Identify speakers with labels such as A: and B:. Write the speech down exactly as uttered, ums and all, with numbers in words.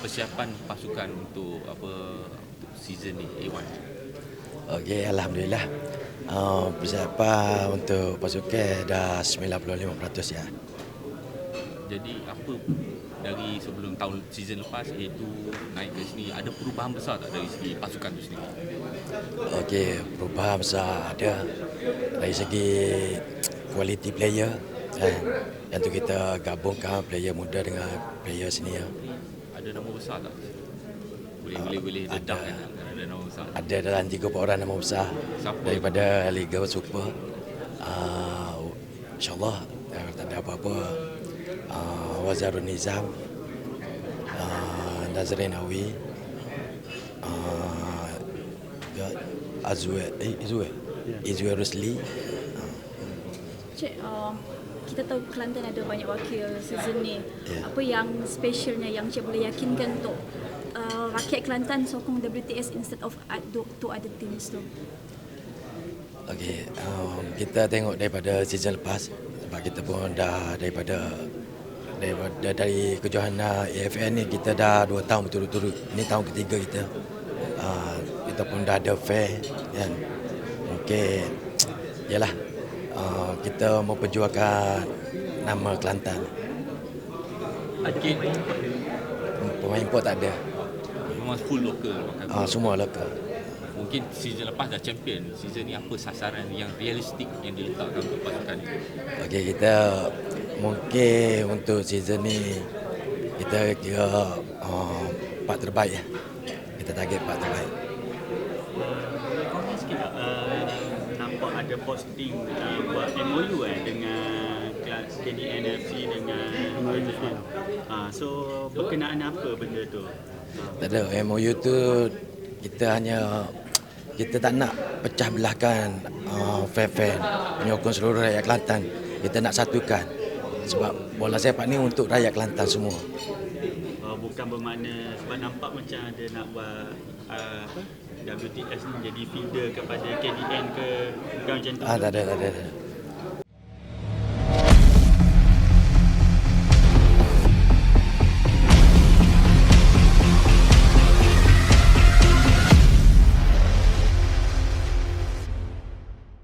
A: persiapan pasukan untuk apa untuk season ni A one?
B: Okey, alhamdulillah. Uh, persiapan untuk pasukan dah sembilan puluh lima peratus ya.
A: Jadi apa dari sebelum tahun season lepas A two naik ke sini, ada perubahan besar tak dari segi pasukan tu sendiri?
B: Okey, perubahan besar ada dari segi quality player kan. Yang tu kita gabungkan player muda dengan player senior.
A: Ada nama besar tak? Boleh boleh boleh
B: ada.
A: dedah kan ada nama besar.
B: Ada dalam tiga orang nama besar
A: Siapa
B: daripada Liga Super. Uh, InsyaAllah uh, tak ada apa-apa. Uh, Wazarun Nizam, uh, Nazrin Awi, uh, Azwe, eh, Izwe, Izwe Rusli.
C: Cik, uh, kita tahu Kelantan ada banyak wakil season ni.
B: Yeah.
C: Apa yang specialnya yang Cik boleh yakinkan untuk uh, rakyat Kelantan sokong W T S instead of to other teams tu?
B: Okey, um, kita tengok daripada season lepas sebab kita pun dah daripada daripada dari kejohanan A F N ni kita dah dua tahun berturut-turut. Ini tahun ketiga kita. Uh, kita pun dah ada fair kan. Mungkin yalah uh, kita memperjuangkan nama Kelantan.
A: Mungkin
B: Pemain import tak ada.
A: memang full local.
B: Uh, semua lokal.
A: Mungkin season lepas dah champion. Season ni apa sasaran yang realistik yang diletakkan untuk pasukan ni?
B: Okey, kita mungkin untuk season ni kita kira uh, empat terbaik ya. Kita target empat terbaik.
D: Boleh komen sikit tak? Uh, nampak ada posting uh, buat M O U eh dengan kelas K D N F C dengan K D N. Uh, so berkenaan apa benda tu? Uh,
B: Tak ada, M O U tu kita hanya kita tak nak pecah belahkan uh, fan-fan, menyokong seluruh rakyat Kelantan. Kita nak satukan sebab bola sepak ni untuk rakyat Kelantan semua.
D: uh, bukan bermakna sebab nampak macam ada nak buat uh, apa W T S ni jadi feeder kepada K D N ke, bukan macam tu?
B: Ah, tak ada, tak ada. Tak ada.